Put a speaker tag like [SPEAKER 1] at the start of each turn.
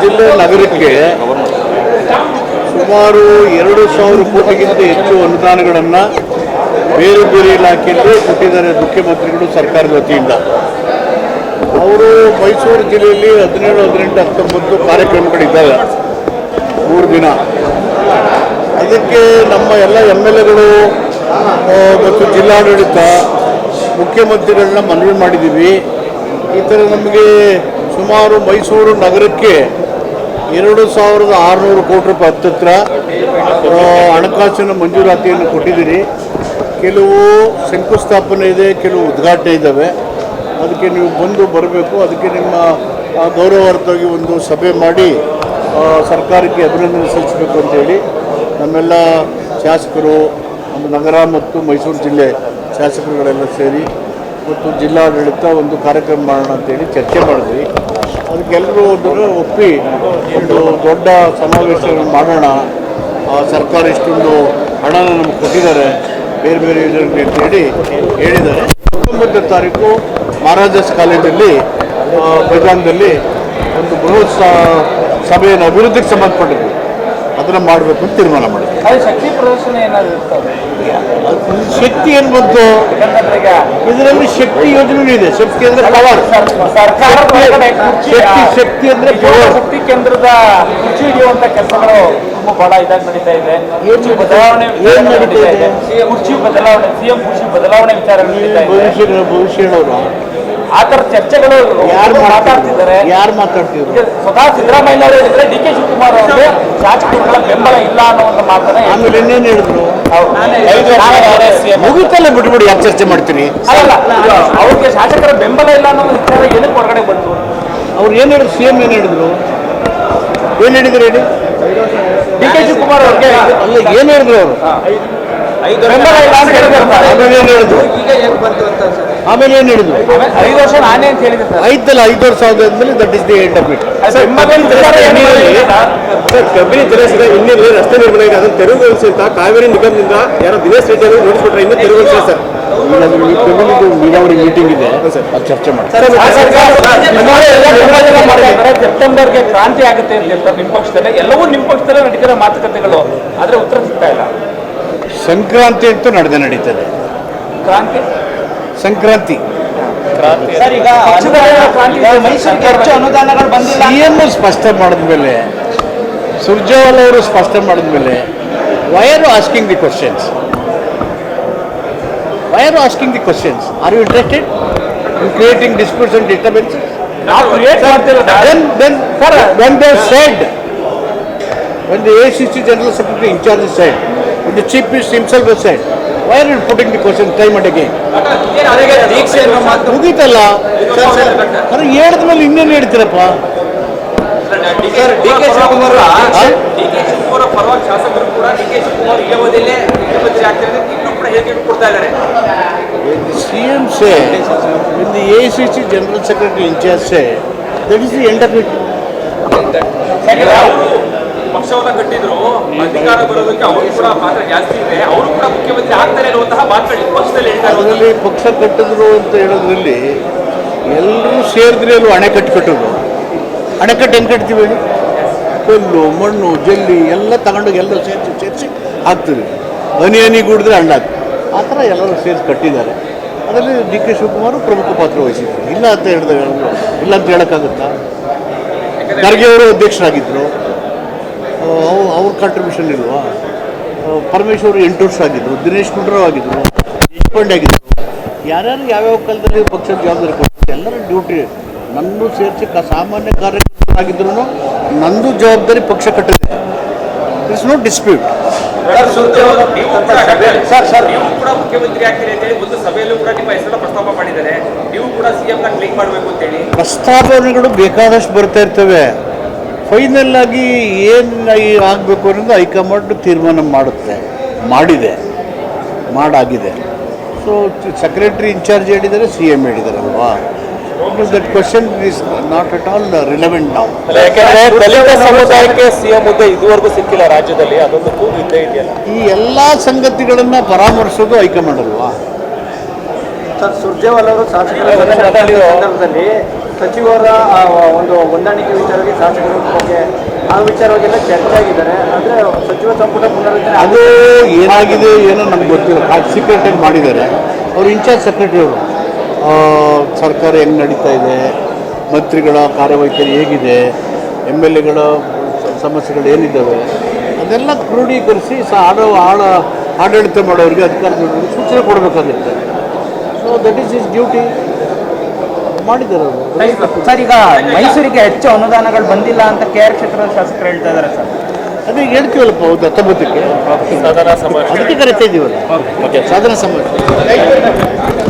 [SPEAKER 1] ಜಿಲ್ಲೆ ನಗರಕ್ಕೆ ಸುಮಾರು 2,000 ಕೋಟಿಗಿಂತ ಹೆಚ್ಚು ಅನುದಾನಗಳನ್ನು ಬೇರೆ ಬೇರೆ ಇಲಾಖೆಯಲ್ಲಿ ಕೊಟ್ಟಿದ್ದಾರೆ ಮುಖ್ಯಮಂತ್ರಿಗಳು ಸರ್ಕಾರದ ವತಿಯಿಂದ. ಅವರು ಮೈಸೂರು ಜಿಲ್ಲೆಯಲ್ಲಿ 17, 18, 19 ಕಾರ್ಯಕ್ರಮಗಳಿದ್ದಾವೆ 3 ದಿನ. ಅದಕ್ಕೆ ನಮ್ಮ ಎಲ್ಲ MLAಗಳು ಮತ್ತು ಜಿಲ್ಲಾಡಳಿತ ಮುಖ್ಯಮಂತ್ರಿಗಳನ್ನ ಮನವಿ ಮಾಡಿದ್ದೀವಿ. ಈ ಥರ ನಮಗೆ ಸುಮಾರು ಮೈಸೂರು ನಗರಕ್ಕೆ 2,600 ಕೋಟಿ ರೂಪಾಯಿ ಹತ್ತಿರ ಹಣಕಾಸಿನ ಮಂಜೂರಾತಿಯನ್ನು ಕೊಟ್ಟಿದ್ದೀರಿ. ಕೆಲವು ಶಂಕುಸ್ಥಾಪನೆ ಇದೆ, ಕೆಲವು ಉದ್ಘಾಟನೆ ಇದ್ದಾವೆ. ಅದಕ್ಕೆ ನೀವು ಬರಬೇಕು. ಅದಕ್ಕೆ ನಿಮ್ಮ ಗೌರವಾರ್ಥವಾಗಿ ಒಂದು ಸಭೆ ಮಾಡಿ ಸರ್ಕಾರಕ್ಕೆ ಅಭಿನಂದನೆ ಸಲ್ಲಿಸಬೇಕು ಅಂತೇಳಿ ನಮ್ಮೆಲ್ಲ ಶಾಸಕರು, ನಮ್ಮ ನಗರ ಮತ್ತು ಮೈಸೂರು ಜಿಲ್ಲೆ ಶಾಸಕರುಗಳೆಲ್ಲ ಸೇರಿ ಮತ್ತು ಜಿಲ್ಲಾಡಳಿತ ಒಂದು ಕಾರ್ಯಕ್ರಮ ಮಾಡೋಣ ಅಂತೇಳಿ ಚರ್ಚೆ ಮಾಡಿದ್ವಿ. ಅದಕ್ಕೆಲ್ಲರೂ ಒಪ್ಪಿ ಒಂದು ದೊಡ್ಡ ಸಮಾವೇಶವನ್ನು ಮಾಡೋಣ. ಸರ್ಕಾರ ಇಷ್ಟೊಂದು ಹಣನ ನಮ್ಗೆ ಕೊಟ್ಟಿದ್ದಾರೆ ಬೇರೆ ಬೇರೆ ಯೋಜನೆಗಳಿಗೆ ಅಂತೇಳಿ ಹೇಳಿದ್ದಾರೆ. 19ನೇ ತಾರೀಕು ಮಹಾರಾಜಾಸ್ ಕಾಲೇಜಲ್ಲಿ ಮೈದಾನದಲ್ಲಿ ಒಂದು ಬೃಹತ್ ಸಭೆಯನ್ನು ಅಭಿವೃದ್ಧಿಗೆ ಸಂಬಂಧಪಟ್ಟಿದ್ದು ಅದನ್ನು ಮಾಡಬೇಕು ಅಂತ ತೀರ್ಮಾನ ಮಾಡಿದ್ವಿ.
[SPEAKER 2] ಶಕ್ತಿ ಪ್ರದರ್ಶನ ಏನಾದರೂ
[SPEAKER 1] ಶಕ್ತಿ ಏನು ಬಂತು ಇದರಲ್ಲಿ? ಶಕ್ತಿ ಯೋಜನೆ ಇದೆ. ಶಕ್ತಿ ಅಂದ್ರೆ ಪವರ್. ಶಕ್ತಿ ಅಂದ್ರೆ ಪವರ್.
[SPEAKER 2] ಶಕ್ತಿ ಕೇಂದ್ರದ ಕುರ್ಚಿ ಹಿಡಿಯುವಂತ ಕೆಲಸಗಳು ತುಂಬಾ ಬಹಳ ಇದಾಗಿ ನಡೀತಾ ಇದೆ. ಬದಲಾವಣೆ ನಡೀತಾ ಇದೆ. ಕುರ್ಚಿ ಬದಲಾವಣೆ, CM ಕುರ್ಚಿ ಬದಲಾವಣೆ ವಿಚಾರ ನಡೀತಾ ಇದೆ.
[SPEAKER 1] ಭವಿಷ್ಯನವರು
[SPEAKER 2] ಆ ಥರ ಚರ್ಚೆಗಳು ಯಾರು ಮಾತಾಡ್ತಿದ್ದಾರೆ? ಸ್ವತಃ ಸಿದ್ದರಾಮಯ್ಯ ಅವರು ಹೇಳಿದ್ರೆ DK ಶಿವಕುಮಾರ್ ಅವರಿಗೆ ಶಾಸಕರುಗಳ ಬೆಂಬಲ ಇಲ್ಲ ಅನ್ನೋ ಒಂದು ಮಾತನ್ನ
[SPEAKER 1] ಆಮೇಲೆ ಇನ್ನೇನು ಹೇಳಿದ್ರು? ಮುಗಿತಲ್ಲ, ಬಿಟ್ಬಿಡಿ, ಯಾಕೆ ಚರ್ಚೆ ಮಾಡ್ತೀನಿ?
[SPEAKER 2] ಅಲ್ಲ, ಅವ್ರಿಗೆ ಶಾಸಕರ ಬೆಂಬಲ ಇಲ್ಲ ಅನ್ನೋ ವಿಚಾರ ಏನಕ್ಕೆ ಹೊರಗಡೆ ಬಂತು?
[SPEAKER 1] ಅವ್ರು ಏನು ಹೇಳಿದ್ರು? CM ಏನು ಹೇಳಿದ್ರು? ಏನು ಹೇಳಿದ್ರು ಹೇಳಿ?
[SPEAKER 2] DK ಶಿವಕುಮಾರ್ ಅವ್ರಿಗೆ
[SPEAKER 1] ಅಲ್ಲ, ಏನು ಹೇಳಿದ್ರು ಅವರು?
[SPEAKER 2] ಬೆಂಬಲ ಇಲ್ಲ ಅಂತ ಹೇಳಿದ್ರು.
[SPEAKER 1] ಆಮೇಲೆ ಏನು ಹೇಳಿದ್ರು? ಆಮೇಲೆ ಏನು ಹೇಳಿದ್ರು?
[SPEAKER 2] 5 ವರ್ಷ ನಾನೇ ಅಂತ ಹೇಳಿದ್ರು ಸರ್.
[SPEAKER 1] ಆಯ್ತಲ್ಲ, 5 ವರ್ಷ ಆದ್ಮೇಲೆ that is the end of it.
[SPEAKER 3] Kabini ಜಲಾಶಯದ ಇನ್ನಿಲ್ಲಿ ರಸ್ತೆ ನಿರ್ಮಾಣ ಇದೆ, ಅದನ್ನು ತೆರವುಗೊಳಿಸಿ ಅಂತ ಕಾವೇರಿ ನಿಗಮದಿಂದ ಯಾರೋ ದಿನೇಶ್ ರೆಡ್ಡಿ ಅವರು ನೋಟಿಸ್ ಕೊಟ್ಟರೆ ಇನ್ನೂ ತೆರವುಗೊಳಿಸಿಲ್ಲ ಸರ್.
[SPEAKER 1] ನೀರಾವರಿ ಮೀಟಿಂಗ್ ಇದೆ, ಅದು ಚರ್ಚೆ ಮಾಡಿ.
[SPEAKER 2] ಸೆಪ್ಟೆಂಬರ್ಗೆ ಕ್ರಾಂತಿ ಆಗುತ್ತೆ ಅಂತ ಹೇಳ್ತಾರೆ ನಿಮ್ಮ ಪಕ್ಷದಲ್ಲೇ. ಎಲ್ಲವೂ ನಿಮ್ಮ ಪಕ್ಷದಲ್ಲೇ ನಡೀತಿರೋ ಮಾತುಕತೆಗಳು, ಆದರೆ ಉತ್ತರ ಸಿಗ್ತಾ ಇಲ್ಲ.
[SPEAKER 1] ಸಂಕ್ರಾಂತಿ ಅಂತೂ ನಡೀತದೆ.
[SPEAKER 2] ಕ್ರಾಂತಿ
[SPEAKER 1] ಸಂಕ್ರಾಂತಿ
[SPEAKER 2] ಸರ್, ಈಗ ಮೈಸೂರಿಗೆ ಹೆಚ್ಚು ಅನುದಾನಗಳು ಬಂದಿಲ್ಲ.
[SPEAKER 1] CM ಸ್ಪಷ್ಟ ಮಾಡಿದ್ಮೇಲೆ, ಸುರ್ಜೇವಾಲಾ ಅವರು ಸ್ಪಷ್ಟ ಮಾಡಿದ್ಮೇಲೆ, why are you asking the questions? Why are you asking the questions? Are you interested in creating disputes and disturbances? Then when they said, when the ACC General Secretary in charge said, when the Chief Minister himself has said, why are you putting the question time and again? ಮುಗೀತಲ್ಲ, ಅದು ಹೇಳಿದ ಮೇಲೆ ಇನ್ನೇನು ಹೇಳ್ತೀರಪ್ಪ?
[SPEAKER 2] DK Shivakumar ಪರವಾಗಿ ಶಾಸಕರು ಕೂಡ DK Shivakumar ಈ ಅವಧಿಯಲ್ಲೇ ಮುಖ್ಯಮಂತ್ರಿ ಆಗ್ತಾರೆ ಇನ್ನೂ ಕೂಡ ಹೇಳಿಕೆ ಕೊಡ್ತಾ ಇದ್ದಾರೆ.
[SPEAKER 1] CM said, when the ACC General Secretary in charge said, that is the end of it.
[SPEAKER 2] ಪಕ್ಷವನ್ನ ಕಟ್ಟಿದ್ರು, ಅಧಿಕಾರ ಬರೋದಕ್ಕೆ ಅವರು ಕೂಡ ಪಾತ್ರ ಜಾಸ್ತಿ ಇದೆ, ಅವರು ಕೂಡ ಮುಖ್ಯಮಂತ್ರಿ ಆಗ್ತಾರೆ ಅನ್ನುವಂತಹ ಮಾತುಗಳು ಪಕ್ಷದಲ್ಲಿ ಹೇಳ್ತಾರೆ.
[SPEAKER 1] ಅದರಲ್ಲಿ ಪಕ್ಷ ಕಟ್ಟಿದ್ರು ಅಂತ ಹೇಳೋದ್ರಲ್ಲಿ ಎಲ್ಲರೂ ಸೇರಿದ್ರೆ ಅಲ್ಲೂ ಅಣೆಕಟ್ಟು ಕಟ್ಟಿದ್ರು. ಅಣೆಕಟ್ಟು ಹೆಂಗೆ ಕಟ್ತೀವಿ ಹೇಳಿ? ಕಲ್ಲು, ಮಣ್ಣು, ಜಲ್ಲಿ ಎಲ್ಲ ತಗೊಂಡೋಗಿ ಎಲ್ಲರೂ ಸೇರಿಸಿ ಹಾಕ್ತೀವಿ. ಹನಿ ಕೂಡಿದ್ರೆ ಹಣ್ಣು ಹಾಕ್ತೀವಿ. ಆ ಥರ ಎಲ್ಲರೂ ಸೇರಿಸಿ ಕಟ್ಟಿದ್ದಾರೆ. ಅದರಲ್ಲಿ DK ಶಿವಕುಮಾರ್ ಪ್ರಮುಖ ಪಾತ್ರ ವಹಿಸಿದ್ರು. ಇಲ್ಲ ಅಂತ ಹೇಳಿದಾಗ ಇಲ್ಲ ಅಂತ ಹೇಳೋಕ್ಕಾಗುತ್ತಾ? ಖರ್ಗೆ ಅವರು ಅಧ್ಯಕ್ಷರಾಗಿದ್ದರು, ಅವ್ರ ಕಾಂಟ್ರಿಬ್ಯೂಷನ್ ಇಲ್ವಾ? ಪರಮೇಶ್ವರ್ 8 ವರ್ಷ ಆಗಿದ್ದರು, ದಿನೇಶ್ ಗುಂಡೂರಾವ್ ಆಗಿದ್ದರು, ದೇಶಪಾಂಡೆ ಆಗಿದ್ದರು. ಯಾರ್ಯಾರು ಯಾವ್ಯಾವ ಕಾಲದಲ್ಲಿ ಪಕ್ಷದ ಜವಾಬ್ದಾರಿ ಕೊಡ್ತಾರೆ, ಎಲ್ಲರ ಡ್ಯೂಟಿ ನನ್ನೂ ಸೇರಿಸಿ ಸಾಮಾನ್ಯ ಕಾರ್ಯಕರ್ತರಾಗಿದ್ರು ನಂದು ಜವಾಬ್ದಾರಿ ಪಕ್ಷ ಕಟ್ಟಿದೆ. It's no dispute.
[SPEAKER 2] ನೀವು ಕೂಡ ಮುಖ್ಯಮಂತ್ರಿ ಆಗ್ತೀರಿ ಅಂತ ಹೇಳಿ ಒಂದು ಸಭೆಯಲ್ಲೂ ಕೂಡ ನಿಮ್ಮ ಹೆಸರನ್ನ ಪ್ರಸ್ತಾಪ ಮಾಡಿದ್ದಾರೆ. ನೀವು ಕೂಡ CM ನ ಕ್ಲೀನ್ ಮಾಡಬೇಕು ಅಂತ ಹೇಳಿ
[SPEAKER 1] ಪ್ರಸ್ತಾಪನೆಗಳು ಬೇಕಾದಷ್ಟು ಬರ್ತಾ ಇರ್ತವೆ. ಫೈನಲ್ ಆಗಿ ಏನು ಆಗಬೇಕು ಅನ್ನೋದು ಹೈಕಮಾಂಡ್ ತೀರ್ಮಾನ ಮಾಡುತ್ತೆ, ಮಾಡಾಗಿದೆ. ಸೊ ಸೆಕ್ರೆಟರಿ ಇನ್ಚಾರ್ಜ್ ಹೇಳಿದ್ದಾರೆ, CM ಹೇಳಿದಾರಲ್ವಾ? That question is not at all relevant ನಾವು.
[SPEAKER 3] ದಲಿತ ಸಮುದಾಯಕ್ಕೆ CM ಹುದ್ದೆ ಇದುವರೆಗೂ ಸಿಕ್ಕಿಲ್ಲ ರಾಜ್ಯದಲ್ಲಿ, ಅದೊಂದು ಕೂಗು ಇದ್ದೇ ಇದೆಯಲ್ಲ.
[SPEAKER 1] ಈ ಎಲ್ಲ ಸಂಗತಿಗಳನ್ನು ಪರಾಮರ್ಶೋದು ಹೈಕಮಾಂಡ್ ಅಲ್ವಾ?
[SPEAKER 4] ಸರ್, ಸುರ್ಜೇವಾಲಾ ಅವರು ಶಾಸಕರ ಸಂದರ್ಭದಲ್ಲಿ
[SPEAKER 2] ಸಚಿವರ ಒಂದು ಹೊಂದಾಣಿಕೆ ವಿಚಾರವಾಗಿ ಶಾಸಕರ ಬಗ್ಗೆ ಆ ವಿಚಾರವಾಗೆಲ್ಲ ಚರ್ಚೆ ಆಗಿದ್ದಾರೆ. ಆದರೆ ಸಚಿವ ಸಂಪುಟ ಪುನರ್ರಚನೆ
[SPEAKER 1] ಅದು ಏನಾಗಿದೆ ಏನೋ ನಮ್ಗೆ ಗೊತ್ತಿಲ್ಲ. ಸೀಕ್ರೆಟಾಗಿ ಮಾಡಿದ್ದಾರೆ. ಅವರು ಇನ್ಚಾರ್ಜ್ ಸೆಕ್ರೆಟರಿ ಅವರು ಸರ್ಕಾರ ಹೆಂಗೆ ನಡೀತಾ ಇದೆ, ಮಂತ್ರಿಗಳ ಕಾರ್ಯವೈಖರಿ ಹೇಗಿದೆ, MLAಗಳ ಸಮಸ್ಯೆಗಳು ಏನಿದ್ದಾವೆ ಅದೆಲ್ಲ ಕ್ರೋಢೀಕರಿಸಿ ಆಡಳಿತ ಮಾಡೋರಿಗೆ ಅಧಿಕಾರಿಗಳಿಗೆ ಸೂಚನೆ ಕೊಡಬೇಕಾಗುತ್ತೆ. So that is his duty ಮಾಡಿದ್ದಾರೆ ಅವರು.
[SPEAKER 2] ಸರ್, ಈಗ ಮೈಸೂರಿಗೆ ಹೆಚ್ಚು ಅನುದಾನಗಳು ಬಂದಿಲ್ಲ ಅಂತ KR ಕ್ಷೇತ್ರದ ಶಾಸಕರು ಹೇಳ್ತಾ ಇದ್ದಾರೆ ಸರ್.
[SPEAKER 1] ಅದೇ ಹೇಳ್ತೀವಲ್ಲಪ್ಪ, ಹೌದು 19ಕ್ಕೆ ಅದಕ್ಕೆ ಕರಿತಾ ಇದ್ದೀವಲ್ಲ ಸಾಧನಾ ಸಮಾವೇಶ.